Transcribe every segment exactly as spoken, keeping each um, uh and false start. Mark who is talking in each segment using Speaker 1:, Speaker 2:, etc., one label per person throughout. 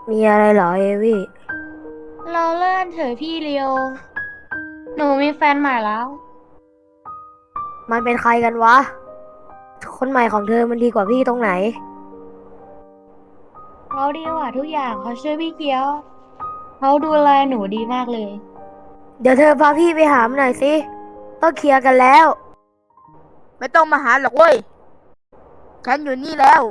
Speaker 1: มีอะไรเหรอเอวี่
Speaker 2: เราเลื่อนเถอะพี่เลียวหนูมีแฟนใหม่แล้ว
Speaker 1: มันเป็นใครกันวะคนใหม่ของเธอมันดีกว่าพี่ตรงไหน
Speaker 2: เขาดีกว่าทุกอย่างเขาช่วยพี่เกียวเขาดูแลหนูดีมากเลย
Speaker 1: เดี๋ยวเธอพาพี่ไปหามันหน่อยสิต้องเคลียร์กันแล้ว
Speaker 3: ไม่ต้องมาหาหรอกเว้ยฉันอยู่นี่แล้ว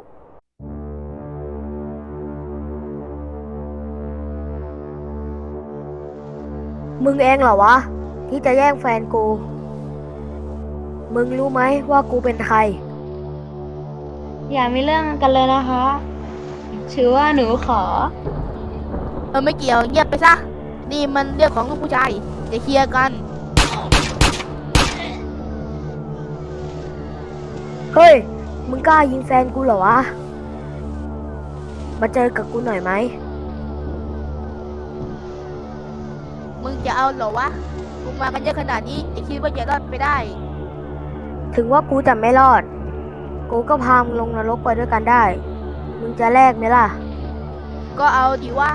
Speaker 1: มึงเองเหรอวะที่จะแย่งแฟนกูมึงรู้ไหมว่ากูเป็นใคร
Speaker 2: อย่ามีเรื่องกันเลยนะคะถือว่าหนูขอ
Speaker 3: เออไม่เกี่ยวเงียบไปซะนี่มันเรื่องของลูกผู้ชายจะเคลียร์กัน
Speaker 1: เฮ้ยมึงกล้ายิงแฟนกูเหรอวะมาเจอกับกูหน่อยไหม
Speaker 3: มึงจะเอาเหรอวะกูมากันเยอะขนาดนี้จะคิดว่าจะรอดไปได้
Speaker 1: ถึงว่ากูจะไม่รอดกูก็พามึงลงนรกไปด้วยกันได้มึงจะแลกไหมล่ะ
Speaker 3: ก็เอาดีวะ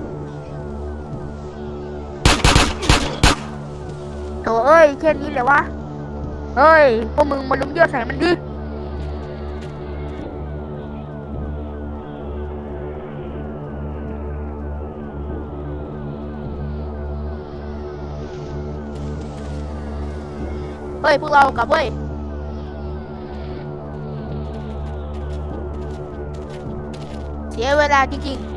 Speaker 3: โถเอ้ยแค่นี้เลยวะเฮ้ยพวกมึงมาลุมเยอะใส่มันดิเฮ้ยพวกเรากลับเว้ยเสียเวลาจริงๆ